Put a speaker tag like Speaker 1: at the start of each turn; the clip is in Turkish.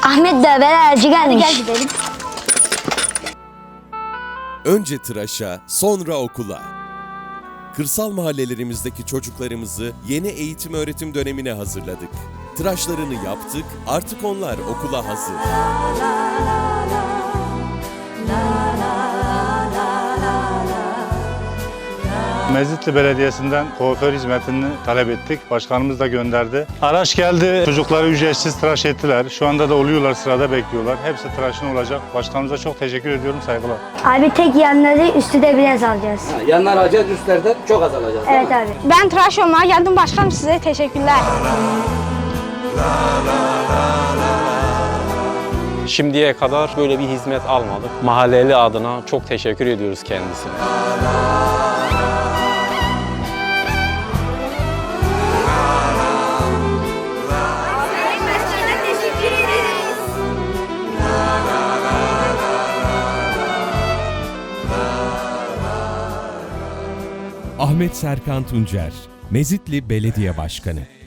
Speaker 1: Ahmet Döver elçi gelmiş.
Speaker 2: Gel gidelim.
Speaker 3: Önce tıraşa, sonra okula. Kırsal mahallelerimizdeki çocuklarımızı yeni eğitim öğretim dönemine hazırladık. Tıraşlarını yaptık, artık onlar okula hazır.
Speaker 4: Mezitli Belediyesi'nden kuaför hizmetini talep ettik. Başkanımız da gönderdi. Araç geldi. Çocukları ücretsiz tıraş ettiler. Şu anda da oluyorlar, sırada bekliyorlar. Hepsi tıraşın olacak. Başkanımıza çok teşekkür ediyorum. Saygılar.
Speaker 1: Abi tek yanları üstü de biraz alacağız.
Speaker 5: Yanlar alacağız, üstlerden çok az alacağız.
Speaker 1: Evet abi.
Speaker 2: Ben tıraş olmaya geldim başkanım, size teşekkürler.
Speaker 6: Şimdiye kadar böyle bir hizmet almadık. Mahalleli adına çok teşekkür ediyoruz kendisine.
Speaker 7: Ahmet Serkan Tuncer, Mezitli Belediye Başkanı.